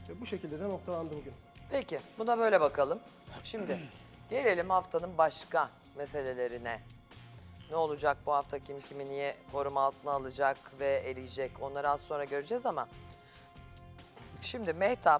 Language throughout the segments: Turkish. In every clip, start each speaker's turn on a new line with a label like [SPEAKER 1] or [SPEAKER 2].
[SPEAKER 1] Ve bu şekilde de noktalandı bugün.
[SPEAKER 2] Peki buna böyle bakalım. Şimdi gelelim haftanın başka meselelerine. Ne olacak bu hafta, kim kimi niye koruma altına alacak ve eleyecek, onları az sonra göreceğiz ama. Şimdi Mehtap,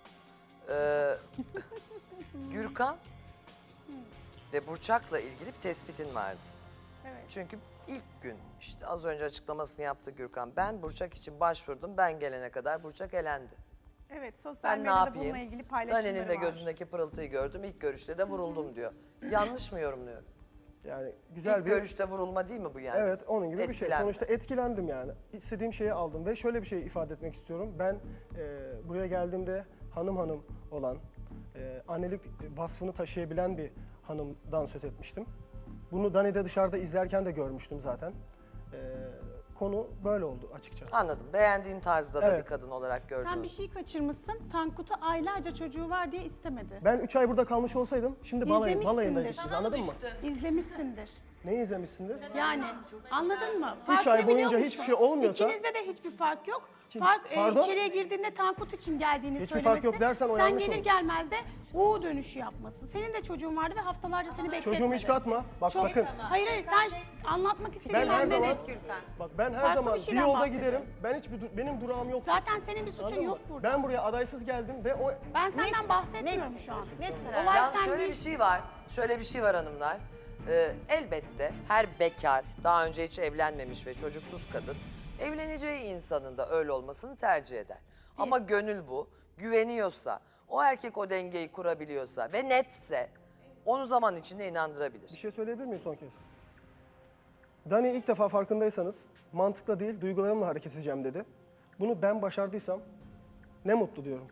[SPEAKER 2] Gürkan ve Burçak'la ilgili bir tespitin vardı.
[SPEAKER 3] Evet.
[SPEAKER 2] Çünkü ilk gün işte az önce açıklamasını yaptı Gürkan. Ben Burçak için başvurdum, ben gelene kadar Burçak elendi.
[SPEAKER 3] Evet, sosyal
[SPEAKER 2] Ben ne
[SPEAKER 3] medyada
[SPEAKER 2] yapayım?
[SPEAKER 3] bununla ilgili paylaşımları
[SPEAKER 2] Dani'nin de
[SPEAKER 3] var.
[SPEAKER 2] gözündeki pırıltıyı gördüm, ilk görüşte de vuruldum diyor. Yanlış mı yorumluyorum?
[SPEAKER 1] Yani güzel
[SPEAKER 2] İlk
[SPEAKER 1] bir...
[SPEAKER 2] görüşte vurulma değil mi bu yani?
[SPEAKER 1] Evet, onun gibi bir şey.
[SPEAKER 2] Etkilenme.
[SPEAKER 1] Sonuçta etkilendim yani. İstediğim şeyi aldım ve şöyle bir şey ifade etmek istiyorum. Ben buraya geldiğimde hanım olan, annelik vasfını taşıyabilen bir hanımdan söz etmiştim. Bunu Dani'de dışarıda izlerken de görmüştüm zaten. Konu böyle oldu açıkça.
[SPEAKER 2] Anladım. Beğendiğin tarzda da
[SPEAKER 1] Evet.
[SPEAKER 2] bir kadın olarak gördüm.
[SPEAKER 3] Sen bir şey kaçırmışsın. Tankut'u aylarca çocuğu var diye istemedi.
[SPEAKER 1] Ben 3 ay burada kalmış olsaydım şimdi balayındaydık
[SPEAKER 3] İzlemişsindir.
[SPEAKER 1] şimdi, anladın mı?
[SPEAKER 3] İzlemişsindir.
[SPEAKER 1] Neyi izlemişsindir?
[SPEAKER 3] Yani anladın mı?
[SPEAKER 1] 3 ay boyunca hiçbir şey olmuyorsa...
[SPEAKER 3] İkinizde de hiçbir fark yok.
[SPEAKER 1] Kim?
[SPEAKER 3] Fark
[SPEAKER 1] Pardon?
[SPEAKER 3] içeriye girdiğinde Tankut için geldiğini
[SPEAKER 1] Hiçbir
[SPEAKER 3] söylemesi.
[SPEAKER 1] fark yok dersen o
[SPEAKER 3] sen
[SPEAKER 1] yanlış
[SPEAKER 3] gelir
[SPEAKER 1] olur.
[SPEAKER 3] gelmez de U dönüşü yapması. Senin de çocuğun vardı ve haftalarca seni bekletmedi.
[SPEAKER 1] Çocuğumu hiç katma. Bak
[SPEAKER 3] Çok-
[SPEAKER 1] sakın.
[SPEAKER 3] Hayır sen anlatmak istediğin
[SPEAKER 1] Ben her
[SPEAKER 3] anda
[SPEAKER 1] zaman
[SPEAKER 3] net Gürkan.
[SPEAKER 1] bak ben her
[SPEAKER 3] Farklı
[SPEAKER 1] zaman
[SPEAKER 3] bir
[SPEAKER 1] bir
[SPEAKER 3] şeyden
[SPEAKER 1] yolda
[SPEAKER 3] bahsediyorum.
[SPEAKER 1] giderim. Ben hiçbir benim durağım yok.
[SPEAKER 3] Zaten senin bir suçun
[SPEAKER 1] Anladın
[SPEAKER 3] yok
[SPEAKER 1] mı?
[SPEAKER 3] burada.
[SPEAKER 1] Ben buraya adaysız geldim ve o
[SPEAKER 3] Ben senden bahsetmiyorum şu an.
[SPEAKER 4] Net karar.
[SPEAKER 3] Olay
[SPEAKER 2] Yalnız
[SPEAKER 3] sen
[SPEAKER 2] şöyle
[SPEAKER 3] değil.
[SPEAKER 2] bir şey var. Şöyle bir şey var hanımlar. Elbette her bekar, daha önce hiç evlenmemiş ve çocuksuz kadın evleneceği insanın da öyle olmasını tercih eder. Ama gönül bu. Güveniyorsa, o erkek o dengeyi kurabiliyorsa ve netse onu zaman içinde inandırabilir.
[SPEAKER 1] bir şey söyleyebilir miyim son kez? Dani ilk defa farkındaysanız mantıkla değil duygularımla hareket edeceğim dedi. Bunu ben başardıysam ne mutlu diyorum.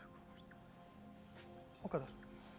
[SPEAKER 1] O kadar.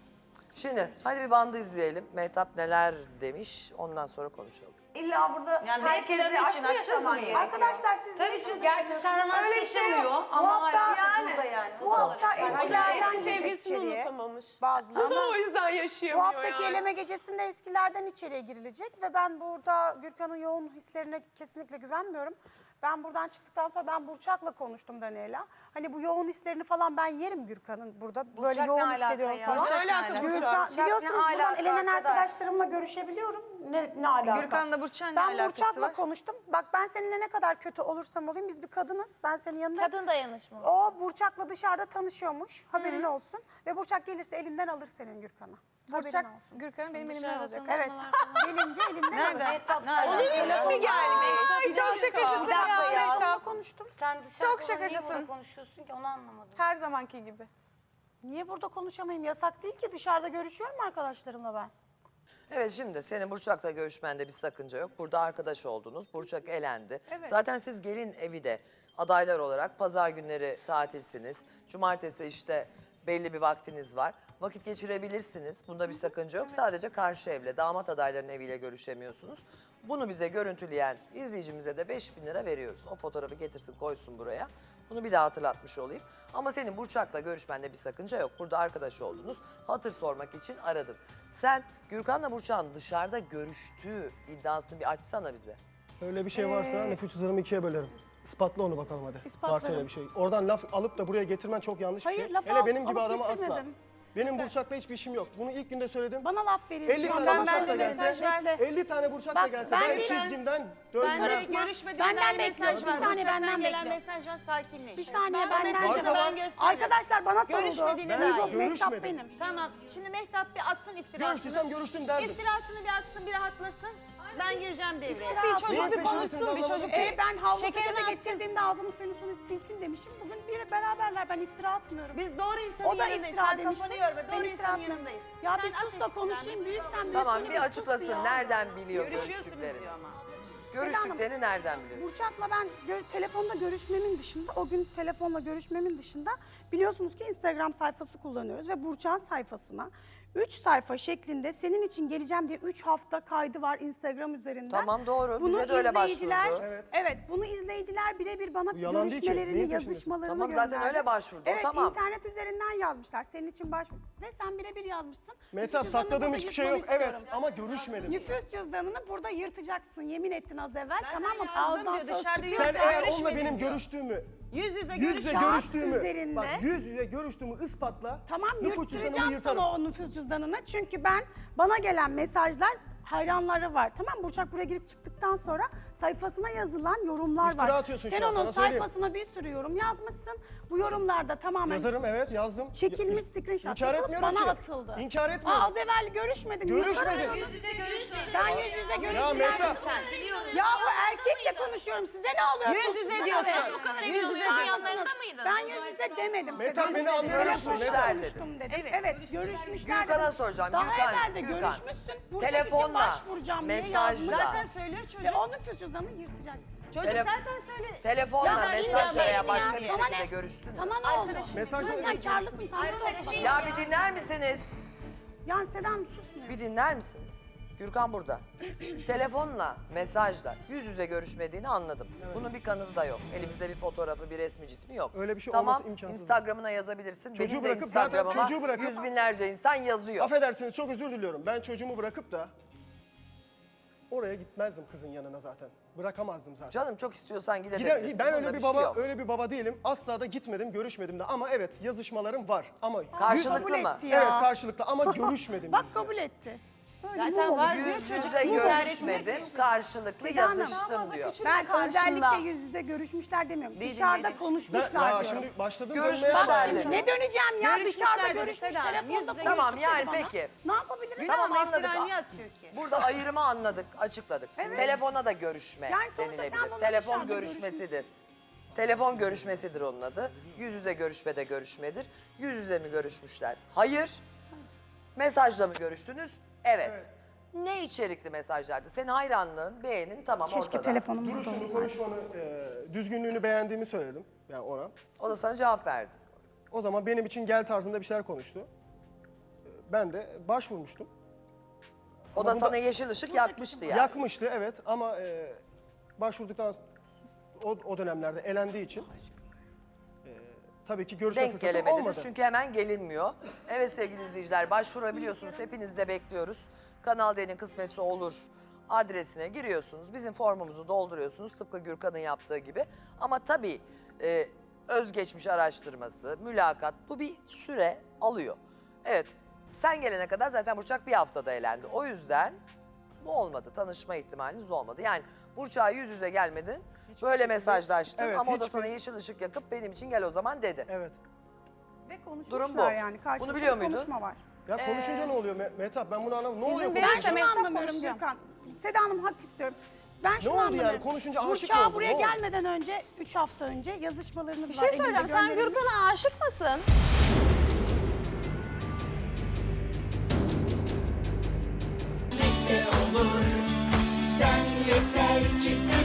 [SPEAKER 2] Şimdi hadi bir bandı izleyelim. Mehtap neler demiş, ondan sonra konuşalım.
[SPEAKER 5] İlla burada
[SPEAKER 4] Yani
[SPEAKER 5] herkesle
[SPEAKER 4] beklemek
[SPEAKER 5] aşk
[SPEAKER 4] için
[SPEAKER 5] mı
[SPEAKER 4] haksız
[SPEAKER 5] yaşaman
[SPEAKER 4] mıyım?
[SPEAKER 5] gerekiyor?
[SPEAKER 3] Arkadaşlar siz
[SPEAKER 4] Tabii
[SPEAKER 3] de
[SPEAKER 4] canım.
[SPEAKER 5] Gerçi Serhan aşk
[SPEAKER 6] Öyle bir şey yok.
[SPEAKER 5] yaşamıyor
[SPEAKER 6] Bu
[SPEAKER 5] ama
[SPEAKER 6] hafta-
[SPEAKER 5] yani.
[SPEAKER 6] Burada yani.
[SPEAKER 3] Bu hafta
[SPEAKER 6] Herkes
[SPEAKER 3] eskilerden
[SPEAKER 6] sevgilisini
[SPEAKER 3] girecek içeriye.
[SPEAKER 6] unutamamış.
[SPEAKER 3] Bazıları.
[SPEAKER 6] O yüzden
[SPEAKER 3] Bu
[SPEAKER 6] yaşayamıyor
[SPEAKER 3] haftaki
[SPEAKER 6] yani.
[SPEAKER 3] eleme gecesinde eskilerden içeriye girilecek ve ben burada Gürkan'ın yoğun hislerine kesinlikle güvenmiyorum. Ben buradan çıktıktan sonra ben Burçak'la konuştum Daniela. Hani bu yoğun hislerini falan ben yerim Gürkan'ın burada. Böyle
[SPEAKER 5] Burçak ne
[SPEAKER 3] yoğun
[SPEAKER 5] alaka
[SPEAKER 3] hissediyorum
[SPEAKER 5] ya?
[SPEAKER 3] falan.
[SPEAKER 6] Burçak ne alaka?
[SPEAKER 3] Gürkan,
[SPEAKER 5] Burçak ne
[SPEAKER 3] biliyorsunuz buradan
[SPEAKER 5] alaka
[SPEAKER 3] elenen
[SPEAKER 5] arkadaş?
[SPEAKER 3] arkadaşlarımla görüşebiliyorum. Ne alaka?
[SPEAKER 4] Gürkan'la Burçak'ın ne
[SPEAKER 3] Ben
[SPEAKER 4] alakası
[SPEAKER 3] Burçak'la
[SPEAKER 4] var?
[SPEAKER 3] konuştum. Bak ben seninle ne kadar kötü olursam olayım biz bir kadınız. Ben senin yanındayım.
[SPEAKER 6] Kadın dayanışma.
[SPEAKER 3] O Burçak'la dışarıda tanışıyormuş. Haberin olsun. Ve Burçak gelirse elinden alır senin Gürkan'ı.
[SPEAKER 6] Burçak
[SPEAKER 3] Haberin olsun.
[SPEAKER 6] Gürkan'ı benim elimden alacak.
[SPEAKER 3] Evet. Gelince elinden
[SPEAKER 4] Nerede?
[SPEAKER 3] alır.
[SPEAKER 6] Onun için mi gelmiş? Ay çok şakacısın
[SPEAKER 5] Bir dakika ya.
[SPEAKER 6] ya.
[SPEAKER 3] Telefonla konuştum.
[SPEAKER 5] Sen dışarıda
[SPEAKER 6] Çok
[SPEAKER 5] niye
[SPEAKER 6] şakacısın.
[SPEAKER 5] burada konuşuyorsun ki onu anlamadım.
[SPEAKER 6] Her zamanki gibi.
[SPEAKER 3] Niye burada konuşamayayım? Yasak değil ki. Dışarıda görüşüyorum arkadaşlarımla ben.
[SPEAKER 2] Evet şimdi senin Burçak'la görüşmende bir sakınca yok. Burada arkadaş oldunuz. Burçak elendi.
[SPEAKER 3] Evet.
[SPEAKER 2] Zaten siz gelin evi de adaylar olarak pazar günleri tatilsiniz. Cumartesi işte belli bir vaktiniz var. Vakit geçirebilirsiniz. Bunda bir sakınca yok. Sadece karşı evle, damat adaylarının eviyle görüşemiyorsunuz. Bunu bize görüntüleyen izleyicimize de 5.000 lira veriyoruz. O fotoğrafı getirsin koysun buraya. Bunu bir daha hatırlatmış olayım. Ama senin Burçak'la görüşmende bir sakınca yok. Burada arkadaş oldunuz. Hatır sormak için aradım. Sen Gürkan'la Burçak'ın dışarıda görüştüğü iddiasını bir açsana bize.
[SPEAKER 1] Öyle bir şey varsa nüfus cüzdanımı ikiye bölerim. İspatla onu bakalım hadi.
[SPEAKER 3] İspatlarım.
[SPEAKER 1] Varsa öyle bir şey. Oradan laf alıp da buraya getirmen çok yanlış bir
[SPEAKER 3] Hayır,
[SPEAKER 1] şey.
[SPEAKER 3] laf
[SPEAKER 1] Hele benim
[SPEAKER 3] alıp
[SPEAKER 1] gibi adama asla.
[SPEAKER 3] getirmedim.
[SPEAKER 1] Benim Burçak'la hiçbir işim yok. Bunu ilk günde söyledim.
[SPEAKER 3] Bana laf verin.
[SPEAKER 1] 50
[SPEAKER 3] Şu an
[SPEAKER 1] tane
[SPEAKER 3] bana
[SPEAKER 1] Burçak'la
[SPEAKER 3] laf verin.
[SPEAKER 1] gelse,
[SPEAKER 3] Bekle.
[SPEAKER 1] 50 tane Burçak'la
[SPEAKER 3] Bak,
[SPEAKER 1] gelse
[SPEAKER 3] ben
[SPEAKER 1] ben
[SPEAKER 3] de-
[SPEAKER 1] çizgimden
[SPEAKER 4] Ben de
[SPEAKER 1] döndürürüm.
[SPEAKER 4] görüşmediğine
[SPEAKER 3] Benden
[SPEAKER 4] dair
[SPEAKER 3] bekliyorum.
[SPEAKER 4] mesaj
[SPEAKER 3] Bir
[SPEAKER 4] var.
[SPEAKER 3] saniye,
[SPEAKER 4] Burçak'tan
[SPEAKER 3] benden
[SPEAKER 4] gelen
[SPEAKER 3] bekliyorum.
[SPEAKER 4] mesaj var, sakinleş.
[SPEAKER 3] Bir saniye
[SPEAKER 4] O
[SPEAKER 3] benden
[SPEAKER 4] mesajı
[SPEAKER 1] Varsa
[SPEAKER 4] ben
[SPEAKER 1] var.
[SPEAKER 4] gösteririm.
[SPEAKER 3] Arkadaşlar bana soruldu.
[SPEAKER 4] Görüşmediğine
[SPEAKER 3] Duygu,
[SPEAKER 4] dair.
[SPEAKER 3] Mehtap
[SPEAKER 1] Görüşmedim.
[SPEAKER 3] benim.
[SPEAKER 4] Tamam, şimdi Mehtap bir atsın iftirasını.
[SPEAKER 1] Görüştüysem görüştüm derdim.
[SPEAKER 4] İftirasını bir atsın, bir rahatlasın. Ben gireceğim devreye.
[SPEAKER 3] İftira
[SPEAKER 6] Bir
[SPEAKER 3] atıyor.
[SPEAKER 6] çocuk bir
[SPEAKER 1] Neyin
[SPEAKER 6] konuşsun, bir
[SPEAKER 1] peşindesin
[SPEAKER 6] çocuk
[SPEAKER 1] abla?
[SPEAKER 6] bir
[SPEAKER 3] Ben havlu
[SPEAKER 6] şekerini
[SPEAKER 3] peçete
[SPEAKER 6] atsın.
[SPEAKER 3] getirdiğimde ağzımı suyunu silsin demişim. Bugün bir beraberler. Ben iftira atmıyorum.
[SPEAKER 4] Biz doğru
[SPEAKER 3] O
[SPEAKER 4] insanın
[SPEAKER 3] da
[SPEAKER 4] yanındayız.
[SPEAKER 3] iftira
[SPEAKER 4] Sen
[SPEAKER 3] demişti.
[SPEAKER 4] kafanı yorma.
[SPEAKER 3] Ben
[SPEAKER 4] Doğru
[SPEAKER 3] iftira
[SPEAKER 4] insanın
[SPEAKER 3] atmadım.
[SPEAKER 4] yanındayız.
[SPEAKER 3] Ya
[SPEAKER 4] Sen
[SPEAKER 3] bir
[SPEAKER 4] at
[SPEAKER 3] sus da
[SPEAKER 4] iftiranı.
[SPEAKER 3] konuşayım. Büyüksen büyüksün.
[SPEAKER 2] Tamam bir açıklasın. Nereden biliyor
[SPEAKER 4] Görüşüyorsunuz
[SPEAKER 2] görüştüklerini?
[SPEAKER 4] diyor ama.
[SPEAKER 2] Görüştüklerini nereden biliyorsun?
[SPEAKER 3] Burçak'la ben telefonda görüşmemin dışında, o gün telefonla görüşmemin dışında biliyorsunuz ki Instagram sayfası kullanıyoruz ve Burçak'ın sayfasına 3 sayfa şeklinde senin için geleceğim diye 3 hafta kaydı var Instagram üzerinden.
[SPEAKER 2] Tamam, doğru.
[SPEAKER 3] Bunu
[SPEAKER 2] Bize de öyle
[SPEAKER 3] izleyiciler-
[SPEAKER 2] başvurdu.
[SPEAKER 1] Evet.
[SPEAKER 3] Evet, bunu izleyiciler birebir bana
[SPEAKER 1] Bu yalan değil ki.
[SPEAKER 3] görüşmelerini,
[SPEAKER 1] Neyin peşindesin?
[SPEAKER 3] yazışmalarını
[SPEAKER 2] Tamam,
[SPEAKER 3] gönderdi.
[SPEAKER 2] zaten öyle başvurdu, o
[SPEAKER 3] Evet,
[SPEAKER 2] tamam.
[SPEAKER 3] internet üzerinden yazmışlar. Senin için başvur. Ve sen birebir yazmışsın.
[SPEAKER 1] Mehtap
[SPEAKER 3] Nüfus cüzdanını
[SPEAKER 1] sakladığım
[SPEAKER 3] burada
[SPEAKER 1] hiçbir şey yok.
[SPEAKER 3] yırtmanı
[SPEAKER 1] Evet
[SPEAKER 3] istiyorum.
[SPEAKER 1] ama görüşmedim.
[SPEAKER 3] Nüfus cüzdanını burada yırtacaksın. Yemin ettin az evvel.
[SPEAKER 4] Zaten
[SPEAKER 3] tamam mı?
[SPEAKER 4] yazdım
[SPEAKER 3] Ağızdan
[SPEAKER 4] diyor,
[SPEAKER 3] söz
[SPEAKER 4] dışarıda
[SPEAKER 3] çıkıyor.
[SPEAKER 1] Sen
[SPEAKER 4] Yoksa
[SPEAKER 1] eğer onunla
[SPEAKER 4] görüşmedim
[SPEAKER 1] benim
[SPEAKER 4] diyor.
[SPEAKER 1] görüştüğümü
[SPEAKER 4] Yüz yüze
[SPEAKER 1] Yüz yüze
[SPEAKER 3] Kağıt
[SPEAKER 1] görüştüğümü,
[SPEAKER 3] üzerinde-
[SPEAKER 1] bak yüz yüze görüştüğümü ispatla.
[SPEAKER 3] Tamam
[SPEAKER 1] nüfus cüzdanımı
[SPEAKER 3] yırttıracağım
[SPEAKER 1] yırtarım.
[SPEAKER 3] sana o nüfus cüzdanını. Çünkü bana gelen mesajlar hayranları var. Tamam Burçak buraya girip çıktıktan sonra sayfasına yazılan yorumlar
[SPEAKER 1] İftira
[SPEAKER 3] var.
[SPEAKER 1] atıyorsun
[SPEAKER 3] Sen
[SPEAKER 1] şu an,
[SPEAKER 3] onun
[SPEAKER 1] sana söyleyeyim.
[SPEAKER 3] sayfasına bir sürü yorum yazmışsın. Bu yorumlarda tamamen
[SPEAKER 1] Yazarım, evet yazdım.
[SPEAKER 3] çekilmiş screenshot
[SPEAKER 1] İnkar
[SPEAKER 3] yapılıp
[SPEAKER 1] etmiyorum
[SPEAKER 3] bana
[SPEAKER 1] ki.
[SPEAKER 3] atıldı.
[SPEAKER 1] İnkar etmiyorum.
[SPEAKER 3] Az evvel görüşmedim.
[SPEAKER 1] Görüşmedim.
[SPEAKER 3] Yüz yüze görüşmedim. Ben yüz yüze
[SPEAKER 1] Ya
[SPEAKER 3] görüşmedim.
[SPEAKER 1] Mehtap.
[SPEAKER 3] Ya bu erkekle konuşuyorum. Size ne oluyor?
[SPEAKER 4] Yüz
[SPEAKER 3] Sus,
[SPEAKER 4] yüze
[SPEAKER 3] bana
[SPEAKER 4] diyorsun.
[SPEAKER 3] ne?
[SPEAKER 4] Bu kadar
[SPEAKER 3] Yüz
[SPEAKER 4] emin
[SPEAKER 3] yüze
[SPEAKER 4] oluyorsun.
[SPEAKER 3] yanlarında mıydın? Ben yüz yüze demedim.
[SPEAKER 1] Mehtap,
[SPEAKER 3] Seda.
[SPEAKER 1] beni anlayamıyorsun,
[SPEAKER 2] Görüşmüşler
[SPEAKER 1] Mehtap.
[SPEAKER 2] dedim.
[SPEAKER 3] Dedim. Evet, görüşmüşler.
[SPEAKER 2] Gürkan'a
[SPEAKER 3] dedim.
[SPEAKER 2] soracağım.
[SPEAKER 3] Daha
[SPEAKER 2] Gürkan,
[SPEAKER 3] evvel de
[SPEAKER 2] Gürkan.
[SPEAKER 3] görüşmüşsün. Burçak için
[SPEAKER 2] Telefonla,
[SPEAKER 3] başvuracağım diye
[SPEAKER 2] mesajla.
[SPEAKER 3] yazmış.
[SPEAKER 4] Zaten söylüyor çocuk.
[SPEAKER 3] Ve onun nüfus cüzdanını yırtacaksın.
[SPEAKER 4] Çocuk
[SPEAKER 2] Tele-
[SPEAKER 4] zaten söyle.
[SPEAKER 2] Telefonla,
[SPEAKER 3] Ya,
[SPEAKER 2] mesajla
[SPEAKER 3] ya,
[SPEAKER 2] veya başka
[SPEAKER 3] ya,
[SPEAKER 2] bir
[SPEAKER 3] sana
[SPEAKER 2] şekilde
[SPEAKER 3] ne?
[SPEAKER 2] görüştün mü?
[SPEAKER 3] Sana ne oldu?
[SPEAKER 4] Arkadaşım.
[SPEAKER 1] Mesajla
[SPEAKER 3] Sen
[SPEAKER 1] görüşeceksin.
[SPEAKER 3] karlısın, tanrı
[SPEAKER 4] Arkadaşım.
[SPEAKER 3] olsun.
[SPEAKER 2] Ya bir dinler misiniz?
[SPEAKER 3] Yani Sedam susmuyor.
[SPEAKER 2] Bir dinler misiniz? Gürkan burada. Telefonla, mesajla, yüz yüze görüşmediğini anladım. Bunun bir kanıtı da yok. Elimizde bir fotoğrafı, bir resmi cismi yok.
[SPEAKER 1] Öyle bir şey
[SPEAKER 2] tamam,
[SPEAKER 1] olması imkansız.
[SPEAKER 2] Instagram'ına yazabilirsin.
[SPEAKER 1] Çocuğu
[SPEAKER 2] Benim de
[SPEAKER 1] bırakıp zaten
[SPEAKER 2] Instagram'ıma
[SPEAKER 1] çocuğu bırakıp-
[SPEAKER 2] yüz binlerce insan yazıyor.
[SPEAKER 1] Affedersiniz, çok özür diliyorum. Ben çocuğumu bırakıp da oraya gitmezdim kızın yanına zaten. Bırakamazdım zaten.
[SPEAKER 2] Canım çok istiyorsan gidebilirsin.
[SPEAKER 1] Ben
[SPEAKER 2] Bunda
[SPEAKER 1] öyle bir
[SPEAKER 2] şey
[SPEAKER 1] baba,
[SPEAKER 2] yok.
[SPEAKER 1] öyle bir baba değilim. Asla da gitmedim, görüşmedim de. Ama evet, yazışmalarım var. Ama
[SPEAKER 2] Karşılıklı
[SPEAKER 3] Kabul
[SPEAKER 2] mı?
[SPEAKER 3] etti ya.
[SPEAKER 1] evet, karşılıklı ama görüşmedim.
[SPEAKER 3] Bak
[SPEAKER 1] yüz yüze.
[SPEAKER 3] kabul etti. Böyle
[SPEAKER 4] Zaten
[SPEAKER 3] mu
[SPEAKER 4] var
[SPEAKER 3] olur?
[SPEAKER 4] diyor
[SPEAKER 2] Yüz
[SPEAKER 4] çocuk.
[SPEAKER 2] yüze görüşmedim, karşılıklı
[SPEAKER 3] Seda Hanım,
[SPEAKER 2] yazıştım diyor.
[SPEAKER 3] Ben özellikle yüz yüze görüşmüşler demiyorum. Dışarıda konuşmuşlar
[SPEAKER 1] Ya
[SPEAKER 3] diyorum.
[SPEAKER 1] şimdi başladım
[SPEAKER 2] Görüşmüşler
[SPEAKER 1] dönmeye ama-
[SPEAKER 2] dedi.
[SPEAKER 3] Ne döneceğim ya
[SPEAKER 4] Görüşmüşler
[SPEAKER 3] dışarıda
[SPEAKER 4] dedi
[SPEAKER 3] görüşmüş
[SPEAKER 4] Seda Hanım, yüz
[SPEAKER 3] telefonda
[SPEAKER 4] yüze
[SPEAKER 2] Tamam,
[SPEAKER 3] konuşmuş
[SPEAKER 2] yani
[SPEAKER 3] dedi bana.
[SPEAKER 2] peki.
[SPEAKER 3] Ne yapabilirim?
[SPEAKER 2] Tamam,
[SPEAKER 4] Ama
[SPEAKER 2] anladık.
[SPEAKER 4] iftira niye atıyor ki?
[SPEAKER 2] Burada ayrımı anladık, açıkladık. Telefona da görüşme
[SPEAKER 3] Yani sonuçta sen
[SPEAKER 2] denilebilir.
[SPEAKER 3] bununla
[SPEAKER 2] Telefon
[SPEAKER 3] dışarıda
[SPEAKER 2] görüşmesidir. Telefon görüşmesidir onun adı. Yüz yüze görüşme de görüşmedir. Yüz yüze mi görüşmüşler? Hayır. Mesajla mı görüştünüz? Evet. Ne içerikli mesajlardı? Senin hayranlığın, beğenin tamam
[SPEAKER 3] Keşke
[SPEAKER 2] ortada.
[SPEAKER 3] telefonum burada
[SPEAKER 1] Duruşunu,
[SPEAKER 3] olsaydı.
[SPEAKER 1] konuşmanı, düzgünlüğünü beğendiğimi söyledim. Yani ona.
[SPEAKER 2] O da sana cevap verdi.
[SPEAKER 1] O zaman benim için gel tarzında bir şeyler konuştu. Ben de başvurmuştum.
[SPEAKER 2] O da sana yeşil ışık yakmıştı yani.
[SPEAKER 1] Yakmıştı evet ama başvurduktan o dönemlerde elendiği için tabii ki görüşme
[SPEAKER 2] Denk
[SPEAKER 1] fırsatım
[SPEAKER 2] gelemediniz
[SPEAKER 1] olmadı.
[SPEAKER 2] çünkü hemen gelinmiyor. Evet sevgili izleyiciler başvurabiliyorsunuz. Hepinizi de bekliyoruz. Kanal D'nin kısmetse olur adresine giriyorsunuz. Bizim formumuzu dolduruyorsunuz tıpkı Gürkan'ın yaptığı gibi. Ama tabii özgeçmiş araştırması, mülakat bu bir süre alıyor. Evet sen gelene kadar zaten Burçak bir haftada elendi. O yüzden bu olmadı. Tanışma ihtimaliniz olmadı. Yani Burçak'a yüz yüze gelmedin. Böyle mesajlaştın
[SPEAKER 1] Evet,
[SPEAKER 2] ama o da
[SPEAKER 1] hiçbir-
[SPEAKER 2] sana yeşil ışık yakıp benim için gel o zaman dedi.
[SPEAKER 1] Evet.
[SPEAKER 3] Ve konuşmuşlar
[SPEAKER 2] Durum bu.
[SPEAKER 3] yani. Karşılıklı
[SPEAKER 2] Bunu biliyor muydun?
[SPEAKER 3] konuşma var.
[SPEAKER 1] Ya konuşunca ne oluyor Mehtap? Ben bunu anlamadım. Ne oluyor
[SPEAKER 6] benim
[SPEAKER 3] Ben
[SPEAKER 1] konuşunca?
[SPEAKER 3] şunu
[SPEAKER 6] Mehtap
[SPEAKER 3] anlamıyorum
[SPEAKER 6] konuşacağım.
[SPEAKER 3] Gürkan. Seda Hanım hak istiyorum. Ben şunu
[SPEAKER 1] oldu yani?
[SPEAKER 3] anlamıyorum.
[SPEAKER 1] Konuşunca aşık mı
[SPEAKER 3] Burçak'a
[SPEAKER 1] oldun?
[SPEAKER 3] buraya
[SPEAKER 1] Ne oldu?
[SPEAKER 3] gelmeden önce 3 hafta önce yazışmalarınız
[SPEAKER 6] Bir
[SPEAKER 3] var.
[SPEAKER 6] şey
[SPEAKER 3] elimde
[SPEAKER 6] söyleyeceğim. Sen
[SPEAKER 3] gönderilmiş.
[SPEAKER 6] Gürkan'a aşık mısın?
[SPEAKER 7] Neyse olur. Sen yeter ki sen